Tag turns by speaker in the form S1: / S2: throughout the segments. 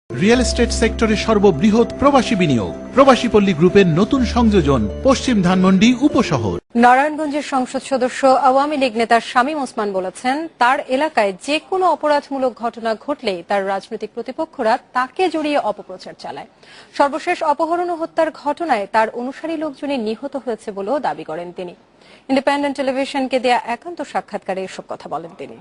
S1: Real estate সেক্টরে সর্ববৃহৎ প্রবাসী বিনিয়োগ প্রবাসী পল্লী গ্রুপের নতুন সংযোজন পশ্চিম ধানমন্ডি উপশহর।
S2: নারায়ণগঞ্জের সংসদ সদস্য আওয়ামী লীগ নেতা শামীম ওসমান বলেছেন, তার এলাকায় যে কোনো অপরাধমূলক ঘটনা ঘটলেই তার রাজনৈতিক প্রতিপক্ষরা তাকে জড়িয়ে অপপ্রচার চালায়। সর্বশেষ অপহরণ ও হত্যার ঘটনায় তার অনুসারী লোকজনই নিহত হয়েছে বলেও দাবি করেন তিনি। ইন্ডিপেন্ডেন্ট টেলিভিশনকে দেয়া একান্ত সাক্ষাৎকারে এসব কথা বলেন তিনি।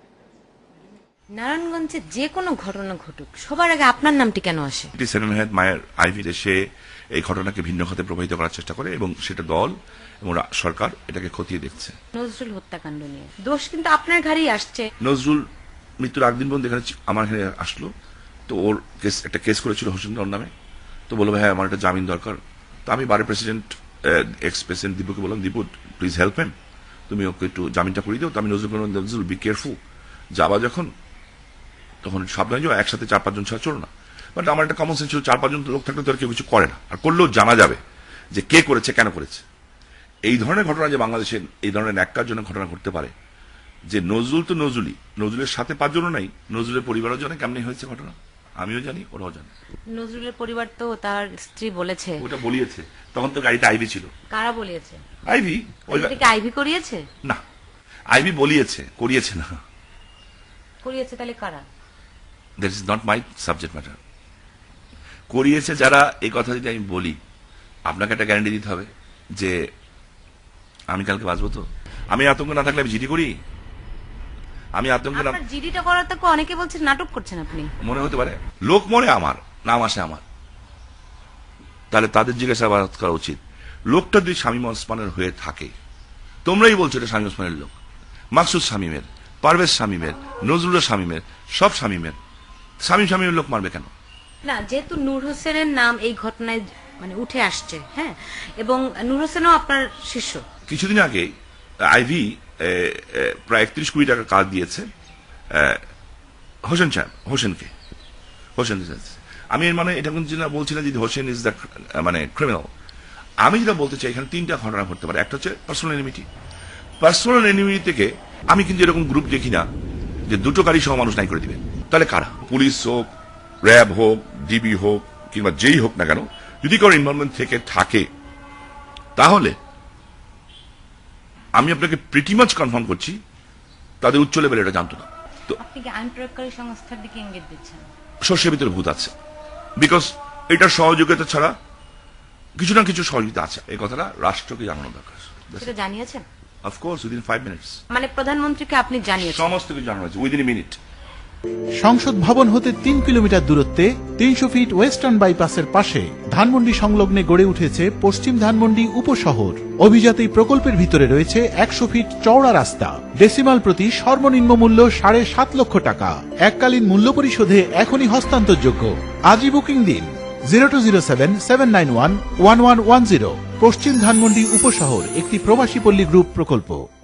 S3: নারায়ণগঞ্জে যে কোনো ঘটনা ঘটুক, সবার আগে আপনার নামটি কেন আসে?
S4: সেলিম আহমেদ মায়ের আইভি সে এই ঘটনাকে ভিন্ন খাতে প্রবাহিত করার চেষ্টা করে এবং সেটা দল এবং সরকার এটাকে খতিয়ে দেখছে।
S3: নজরুল হত্যাকাণ্ড নিয়ে দোষ কিন্তু আপনার ঘাড়েই আসছে।
S4: নজরুল মৃত্যুর আগদিন পর্যন্ত এখানে আমার এখানে আসলো, তো ওর একটা কেস করেছিল হোসেন ওর নামে, তো বললো হ্যাঁ আমার একটা জামিন দরকার। তো আমি বারে প্রেসিডেন্ট এক্স প্রেসিডেন্ট দীপুকে বললাম, দীপু প্লিজ হেল্প হিম, তুমি ওকে একটু জামিনটা করিয়ে দাও। তো আমি নজরুল বি কেয়ারফুল, যাবা যখন তখন সাবধানে যাও, একসাথে 4-5 জন ছাড়া চলো না। বাট আমার একটা কমন সেন্স ছিল 4-5 জন লোক থাকলে তো আর কেউ কিছু করে না, আর করলেও জানা যাবে যে কে করেছে কেন করেছে। এই ধরনের ঘটনা যে বাংলাদেশে এই ধরনের ন্যাক্কারজনক ঘটনা ঘটতে পারে, যে নজরুল তো নজরুলের সাথে 5 জনও নাই, নজরুলের পরিবারও জানে কেমনি হয়েছে ঘটনা, আমিও জানি ওরাও জানে।
S3: নজরুলের পরিবার তো তার স্ত্রী বলেছে,
S4: ওটা বলিয়েছে, তখন তো গাড়িতে আইভি ছিল।
S3: কারা বলিয়েছে?
S4: আইভি।
S3: আইভি করিয়েছে
S4: না, আইভি বলিয়েছে, করিয়েছে না।
S3: করিয়েছে তাহলে কারা?
S4: That is not my subject matter. করিয়েছে যারা, এই কথা যদি আমি বলি, আপনাকে একটা গ্যারান্টি দিতে হবে যে আমি কালকে বাঁচবো। তো আমি আতঙ্ক না থাকলে আমি জিডি করি? আমি আতঙ্ক না,
S3: জিডিটা করার তো অনেকে বলছে নাটক করছেন আপনি।
S4: মনে হতে পারে লোক মরে আমার নাম আসে আমার, তাহলে তাদের জিজ্ঞাসাবাদ করা উচিত। লোকটা যদি শামীম ওসমানের হয়ে থাকে, তোমরাই বলছো এটা শামীম ওসমানের লোক, মাকসুদ শামীমের, পারভেজ শামীমের, নজরুলের শামীমের, সব শামীমের, শামীমের লোক মারবে কেন?
S3: না, যেহেতু নূর হোসেনের নাম এই ঘটনায় মানে উঠে আসছে, হ্যাঁ, এবং নূর হোসেনও আপনার শিষ্য।
S4: কিছুদিন আগে আইভি প্রায় 31 কোটি টাকা কাজ দিয়েছে হোসেনকে। আমি এর মানে এটা কিন্তু বলছি না যে হোসেন ইজ দ্য মানে ক্রিমিনাল। আমি যেটা বলতে চাই, এখানে 3টা ঘটনা ঘটতে পারে। একটা হচ্ছে পার্সোনাল এনিমিটি থেকে আমি কিন্তু এরকম গ্রুপ দেখি না যে 2টো গাড়ি সহ মানুষ নাই করে দিবে। তাহলে কারা? পুলিশ হোক, র্যাব হোক, ডিবি হোক, কিংবা যেই হোক না কেন, যদি কারো ইনভলভমেন্ট থেকে থাকে, তাহলে আমি আপনাকে প্রিটি মাচ কনফার্ম করছি তাদের উচ্চ লেভেলে এটা জানতো না। তো
S3: আপনি কি আইন প্রয়োগকারী সংস্থার দিকে ইঙ্গিত দিচ্ছেন?
S4: শস্যের ভিতরে ভূত আছে, বিকজ এটার সহযোগিতা ছাড়া কিছু না কিছু সহযোগিতা আছে। এই কথাটা রাষ্ট্রকে জানানো দরকার।
S3: সেটা জানিয়েছেন?
S4: Of course, within 5 minutes.
S3: মানে প্রধানমন্ত্রীকে আপনি জানিয়েছেন?
S4: সমস্ত কিছু জানানো হয়েছে উইদিন এ মিনিট।
S1: সংসদ ভবন হতে 3 কিলোমিটার দূরত্বে 300 ফিট ওয়েস্টার্ন বাইপাসের পাশে ধানমন্ডি সংলগ্নে গড়ে উঠেছে পশ্চিম ধানমন্ডি উপশহর। অভিজাত এই প্রকল্পের ভিতরে রয়েছে 100 ফিট চওড়া রাস্তা, ডেসিমাল প্রতি সর্বনিম্ন মূল্য 7.5 লক্ষ টাকা। এককালীন মূল্য পরিশোধে এখনই হস্তান্তরযোগ্য। আজই বুকিং দিন 0207-791-1110। পশ্চিম ধানমন্ডি উপশহর একটি প্রবাসী পল্লী গ্রুপ প্রকল্প।